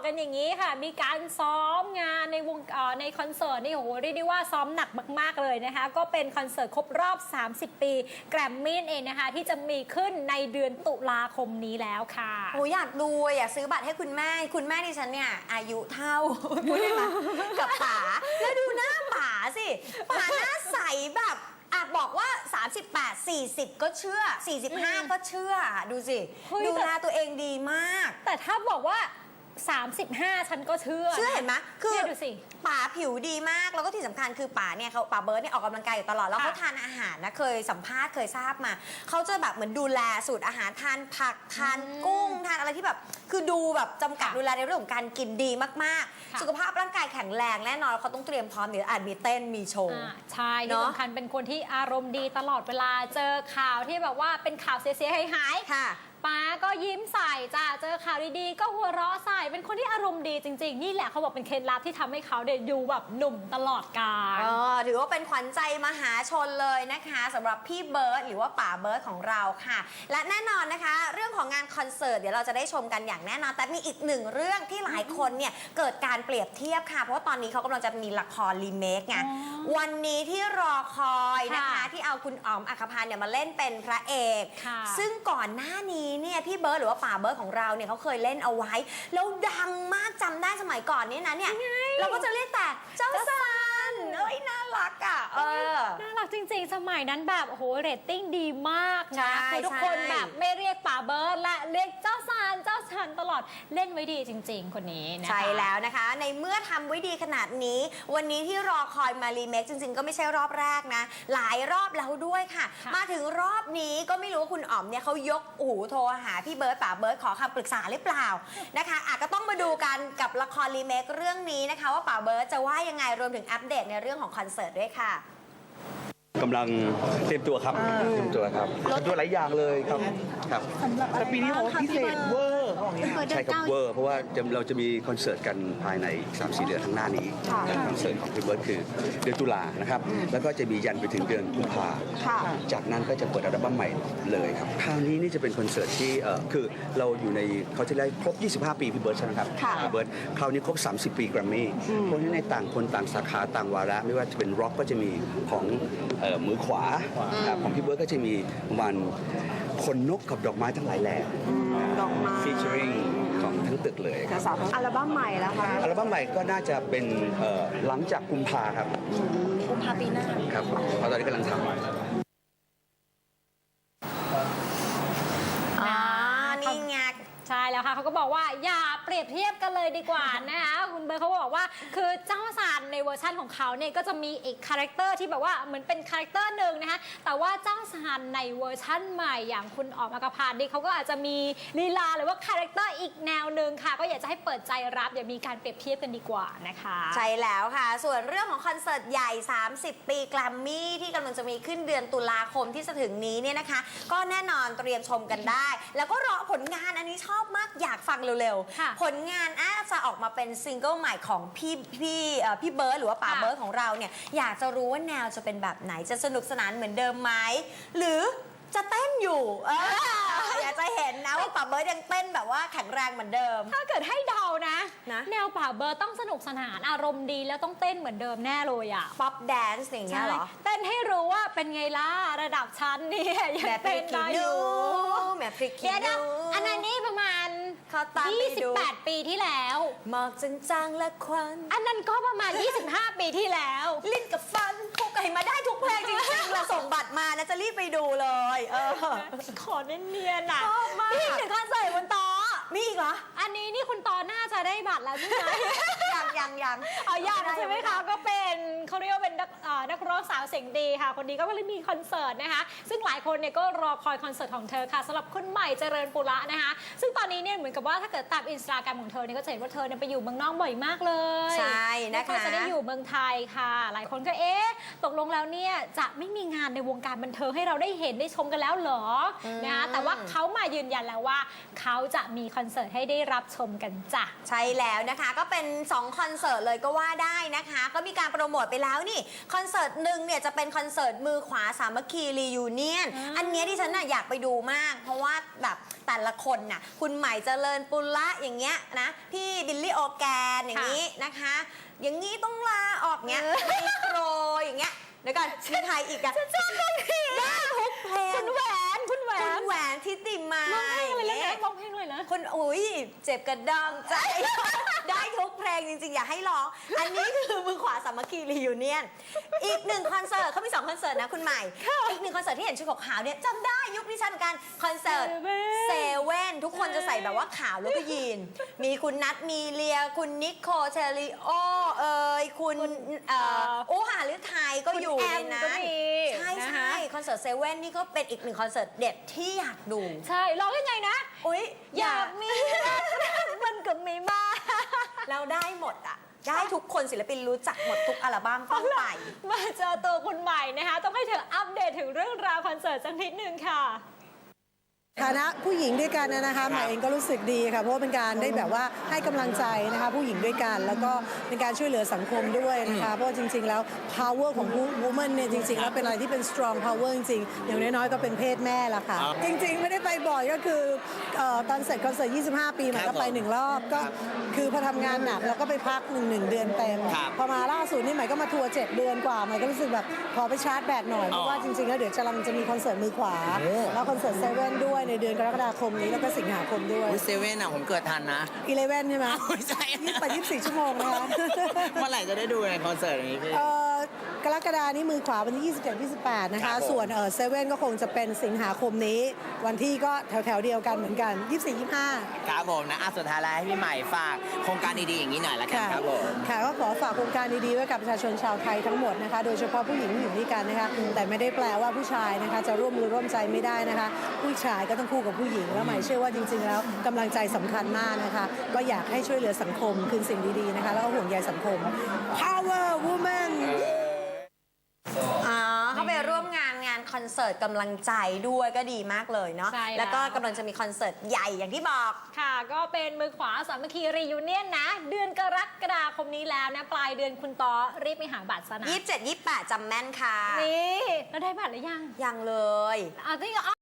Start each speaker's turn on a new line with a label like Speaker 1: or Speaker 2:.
Speaker 1: กันอย่างนี้ค่ะมีการซ้อมงานในคอนเสิร์ตนี่โอ้โหเรียกได้ว่าซ้อมหนักมากๆเลยนะคะก็เป็นคอนเสิร์ตครบรอบ30 ปีแกรมมี่เองนะคะที่จะมีขึ้นในเดือนตุลาคมนี้แล้วค่ะ
Speaker 2: โอ้อยากดูอยากซื้อบัตรให้คุณแม่ดิฉันเนี่ยอายุเท่าพูดได้ไหมกับป๋าแล้วดูหน้าป๋าสิป๋าหน้าใสแบบบอกว่า38 40ก็เชื่อ45ก็เชื่อดูสิดูแลตัวเองดีมาก
Speaker 1: แต่ถ้าบอกว่า35ฉันก็เชื่อ
Speaker 2: เห็นไหมคือ
Speaker 1: ดูสิ
Speaker 2: ป๋าผิวดีมากแล้วก็ที่สำคัญคือป๋าเบิร์ดเนี่ยออกกำลังกายอยู่ตลอดแล้วเขาทานอาหารนะเคยสัมภาษณ์เคยทราบมาเขาจะแบบเหมือนดูแลสูตรอาหารทานผักทานกุ้งทานอะไรที่แบบคือดูแบบจำกัดดูแลในเรื่องของการกินดีมากๆสุขภาพร่างกายแข็งแรงแน่นอนเขาต้องเตรียมพร้อมเดี๋ยวอาจมีเต้นมีโชว์
Speaker 1: ใช่ที่สำคัญเป็นคนที่อารมณ์ดีตลอดเวลาเจอข่าวที่แบบว่าเป็นข่าวเสียหาย
Speaker 2: ค่ะ
Speaker 1: ป้าก็ยิ้มใส่จ้าเจอข่าวดีๆก็หัวเราะใส่เป็นคนที่อารมณ์ดีจริงๆนี่แหละเขาบอกเป็นเคล็ดลับที่ทำให้เขาเด็อยู่แบบหนุ่มตลอดกาล
Speaker 2: ถือว่าเป็นขวัญใจมหาชนเลยนะคะสำหรับพี่เบิร์ดหรือว่าป๋าเบิร์ดของเราค่ะและแน่นอนนะคะเรื่องของงานคอนเสิร์ตเดี๋ยวเราจะได้ชมกันอย่างแน่นอนแต่มีอีกหนึ่งเรื่องที่หลายคนเนี่ยเกิดการเปรียบเทียบค่ะเพราะว่าตอนนี้เขากำลังจะมีละครรีเมคไงวันนี้ที่รอคอยนะคะที่เอาคุณอ๋อมอัครพันธ์เนี่ยมาเล่นเป็นพระเอกซึ่งก่อนหน้านี้เนี่ยพี่เบิร์ดหรือว่าป๋าเบิร์ดของเราเนี่ยเขาเคยเล่นเอาไว้แล้วดังมากจำได้สมัยก่อนเนี่ยนะเนี่ยเราก็จะเรียกแต่เจ้าซันน่ารักอ่ะ
Speaker 1: น่ารักจริงๆสมัยนั้นแบบโอ้โหเรตติ้งดีมากนะคือทุกคนแบบไม่เรียกป๋าเบิร์ดและเรียกเจ้าซันตลอดเล่นไว้ดีจริงๆคนนี้นะคะ
Speaker 2: ใช่แล้วนะคะในเมื่อทำไว้ดีขนาดนี้วันนี้ที่รอคอยมารีเมคจริงๆก็ไม่ใช่รอบแรกนะหลายรอบแล้วด้วยค่ะมาถึงรอบนี้ก็ไม่รู้ว่าคุณอ๋อมเนี่ยเขายกหูโทรหาพี่เบิร์ดป๋าเบิร์ดขอคำปรึกษาหรือเปล่านะคะก็ต้องมาดูกันกับละครรีเมคเรื่องนี้นะคะว่าป๋าเบิร์ดจะว่ายังไงรวมถึงอัปเดตในเรื่องของคอนเสิร์ตด้วยค่ะ
Speaker 3: กำลังเตรียมตัวครับเตรียมตัวครับตัวหลายอย่างเลยครับ
Speaker 4: แต่ปีนี้พิเศษเวอร์
Speaker 3: ใช่ครับเวอร์เพราะว่าเราจะมีคอนเสิร์ตกันภายใน 3-4 เดือนข้างหน้านี้คอนเสิร์ตของพี่เบิร์ดคือเดือนตุลานะครับแล้วก็จะมียันไปถึงเดือนกุมภาจากนั้นก็จะเปิดอัลบั้มใหม่เลยครับคราวนี้นี่จะเป็นคอนเสิร์ตที่คือเราอยู่ในเขาจะได้ครบ25 ปีพี่เบิร์ดใช่ไหมครับพี่เบิร์ดคราวนี้ครบ30 ปีแกรมมี่เพราะฉะนั้นในต่างคนต่างสาขาต่างวาระไม่ว่าจะเป็นร็อกก็จะมีของมือขวาของพี่เบิร์ดก็จะมีวันคนนกกับดอกไม้ทั้งหลายแหล่
Speaker 2: ดอกไม้
Speaker 3: ฟีเจอริงของทั้งตึกเลย
Speaker 2: อัลบั้มใหม่แล้วค่ะ
Speaker 3: อัลบั้มใหม่ก็น่าจะเป็นหลังจากกุมภาครับ
Speaker 2: กุมภาปีหน้า
Speaker 3: ครับเพราะตอนนี้กำลังทำ
Speaker 2: นี่ไง
Speaker 1: ใช่แล้วค่ะเขาก็บอกว่าอย่าเปรียบเทียบกันเลยดีกว่านะคะคุณเบิร์ดเขาบอกว่าคือเจ้าซันในเวอร์ชั่นของเขาเนี่ยก็จะมีอีกคาแรคเตอร์ที่แบบว่าเหมือนเป็นคาแรคเตอร์หนึ่งนะคะแต่ว่าเจ้าซันในเวอร์ชั่นใหม่อย่างคุณอ๋อมอัครพันธ์นี่เขาก็อาจจะมีลีลาหรือว่าคาแรคเตอร์อีกแนวหนึ่งค่ะก็อยากจะให้เปิดใจรับอย่ามีการเปรียบเทียบกันดีกว่านะคะ
Speaker 2: ใช่แล้วค่ะส่วนเรื่องของคอนเสิร์ตใหญ่30 ปีแกรมมี่ที่กำลังจะมีขึ้นเดือนตุลาคมที่จะถึงนี้เนี่ยนะคะก็แน่นอนเตรียมชมกันได้แล้วก็รอผลงานอันนี้ชอบมากอยากฟังเร็วๆผลงานจะออกมาเป็นซิงเกิลใหม่ของพี่เบิร์ดหรือว่าป๋าเบิร์ดของเราเนี่ยอยากจะรู้ว่าแนวจะเป็นแบบไหนจะสนุกสนานเหมือนเดิมไหมหรือจะเต้นอยู่อยากจะเห็นนะว่าป๋าเบิร์ดยังเต้นแบบว่าแข็งแรงเหมือนเดิม
Speaker 1: ถ้าเกิดให้เดานะแนวป๋าเบิร์ดต้องสนุกสนานอารมณ์ดีแล้วต้องเต้นเหมือนเดิมแน่เลยอ่ะ
Speaker 2: ป๊อปแดนซ์อย่างเงี้ยเหรอ
Speaker 1: เต้นให้รู้ว่าเป็นไงล่ะระดับชั้นเนี่ยยังเต้นได้อยู่
Speaker 2: แม่พริกขี้ดู
Speaker 1: อันนั้นนี่ประมาณ28 ปีที่แล้ว
Speaker 2: หมอกจางๆและควัน
Speaker 1: อันนั้นก็ประมาณ25 ปีที่แล้ว
Speaker 2: ลิ้นกับฟันคู่กันมาได้ทุกเพลงจริงๆเราส่งบัตรมานะจะรีบไปดูเลย
Speaker 1: ขอเนียนๆน่ะ
Speaker 2: นี่
Speaker 1: ถึงคอนเสิร์ตบนโต๊ะ
Speaker 2: มีอีกเหรอ
Speaker 1: อันนี้นี่คุณตอน่าจะได้บัตรแล้วใช่ไหม
Speaker 2: ยัง
Speaker 1: ยังใช่ไหมคะก็เป็นเขาเรียกว่าเป็นนักร้องสาวเสียงดีค่ะคนนี้ก็เลยมีคอนเสิร์ตนะคะซึ่งหลายคนเนี่ยก็รอคอยคอนเสิร์ตของเธอค่ะสำหรับคุณใหม่เจริญปุระนะคะซึ่งตอนนี้เนี่ยเหมือนกับว่าถ้าเกิดตามอินสตาแกรมของเธอเนี่ยก็จะเห็นว่าเธอเนี่ยไปอยู่เมืองนอกบ่อยมากเลย
Speaker 2: ใช่นะคะ
Speaker 1: จะได้อยู่เมืองไทยค่ะหลายคนก็ตกลงแล้วเนี่ยจะไม่มีงานในวงการบันเทิงให้เราได้เห็นได้ชมกันแล้วเหรอนะคะแต่ว่าเขามายืนยันแล้วว่าเขาจะมีคอนเสิร์ตให้ได้รับชมกันจ้ะ
Speaker 2: ใช่แล้วนะคะก็เป็น2คอนอนเสิร์ตเลยก็ว่าได้นะคะ ก็มีการโปรโมทไปแล้วนี่คอนเสิร์ตหนึ่งเนี่ยจะเป็นคอนเสิร์ตมือขวาสามัคคีรียูเนียนอันเนี้ยที่ฉันน่ะอยากไปดูมาก เพราะว่าแบบแต่ละคนน่ะคุณใหม่เจริญปุระอย่างเงี้ยนะพี่บิลลี่โอแกนอย่างนี้นะคะ อย่างนี้ต้องลาออกเงี้ยไมโครอย่างเงี้ยเดี๋ยวก่อนมีใครอีกอะฉันชอบคนนี้ได้ทุกเพลง
Speaker 1: คุณแหวนคุณแหว
Speaker 2: คุณ
Speaker 1: น
Speaker 2: แหวนทิติมา
Speaker 1: ร้องเพลงอะไรนะร้องเพลงเลยนะ
Speaker 2: คนอุ้ยเจ็บกระดองใจ ได้ทุกเพลงจริงๆ อย่าให้ร้อง อันนี้คือมือขวาสามัคคีรียูเนียน อีกหนึ่งคอนเสิร์ตเขามี2คอนเสิร์ตนะคุณใหม่ อีกหนึ่งคอนเสิร์ตที่เห็นชุดขาวๆเนี่ยจำได้ยุคนี้ฉันเหมือนกันคอนเสิร์ตเซเว่นทุกคนจะใส่แบบว่าขาวแล้วก็ยีน มีคุณนัทมีเลีย คุณนิโคเทริโอคุณโอหาฤทัยก็อยู่ในนั้น
Speaker 1: ก็มี
Speaker 2: ใช่
Speaker 1: นะคะ
Speaker 2: ใช่คอนเสิร์ตเซเว่นนี่ก็เป็นอีกหนึ่งคอนเสิร์ตเด็ดที่อยากดู
Speaker 1: ใช่ร้องยังไงนะ
Speaker 2: อุ๊ย
Speaker 1: อยากมีรักมันก็มีมา
Speaker 2: เราได้หมดอ่ะ ได้ทุกคนศิลปินรู้จักหมดทุกอัลบั้มต้องไป
Speaker 1: มาเจอตัวคุณใหม่นะคะ ต้องให้เธออัปเดตถึงเรื่องราวคอนเสิร์ตสักนิดนึงค่ะ
Speaker 5: ฐานะผู้หญิงด้วยกันนะคะใหม่เองก็รู้สึกดีค่ะเพราะว่าเป็นการได้แบบว่าให้กำลังใจนะคะผู้หญิงด้วยกันแล้วก็เป็นการช่วยเหลือสังคมด้วยนะคะเพราะว่าจริงๆแล้ว power ของ woman เนี่ยจริงๆแล้วเป็นอะไรที่เป็น strong power จริงๆอย่างน้อยๆก็เป็นเพศแม่ละค่ะจริงๆไม่ได้ไปบ่อยก็คือตอนเสร็จคอนเสิร์ต25 ปีใหม่ก็ไป1 รอบก็คือพอทำงานหนักแล้วก็ไปพัก1 เดือนเต็มพอมาล่าสุดนี่ใหม่ก็มาทัวร์7 เดือนกว่าใหม่ก็รู้สึกแบบขอไปชาร์จแบตหน่อยเพราะว่าจริงๆแล้วเดี๋ยวจะมีคอนเสิร์ตมือขวาแล้วคอนเสิร์ตเซเว่นด้วยในเดือนกรกฎาคมนี้แล้วก็สิงหาคมด้วย
Speaker 4: เซเว่นอ่ะผมเกิดทันนะ
Speaker 5: 11ใช่ไหม
Speaker 4: ไม่ใช่
Speaker 5: 24 ชั่วโมงนะคะ
Speaker 4: เมื่อไหร่จะได้ดูในคอนเสิร์ตอย่างนี้พี่
Speaker 5: กรกฎานี้มือขวาวันที่ 27 28 นะ
Speaker 4: ครั
Speaker 5: คะ
Speaker 4: บผม
Speaker 5: ส่วนเซเว่นก็คงจะเป็นสิงหาคมนี้ วันที่ก็แถวๆเดียวกันเหมือนกัน 24 25
Speaker 4: ครับผมนะสุดท้ายแล้วให้พี่ใหม่ฝากโครงการดีๆอย่างนี้หน่อยละกันครับผม
Speaker 5: ค่ะก็ขอฝากโครงการดีๆไว้กับประชาชนชาวไทยทั้งหมดนะคะ โดยเฉพาะผู้หญิงที่อยู่ด้วยกันนะคะ แต่ไม่ได้แปลว่าผู้ชายนะคะจะร่วมมือร่วมใจไม่ได้นะคะ ผู้ชายก็ต้องคู่กับผู้หญิง แล้วหมายเชื่อว่าจริงๆแล้วกำลังใจสำคัญมากนะคะ ก็อยากให้ช่วยเหลือสังคมคืนสิ่งดีๆนะคะ แล้วก็ห่วงใยสังคม Power Woman
Speaker 2: อ๋อเขาไปร่วมงานคอนเสิร์ตกำลังใจด้วยก็ดีมากเลยเนาะ
Speaker 1: ใช่แล้ว
Speaker 2: แล้วก็กำลังจะมีคอนเสิร์ตใหญ่อย่างที่บอก
Speaker 1: ค่ะ ก็เป็นมือขวาสามัคคีรียูเนียนนะ เดือนกรกฎาคมนี้แล้วนะ ปลายเดือนคุณต่อรีบไปหาบัตรซะนะ
Speaker 2: 27 28จำแม่นค่ะ
Speaker 1: นี่แล้วได้บัตรหรือยัง
Speaker 2: ยังเลย
Speaker 1: เอาที่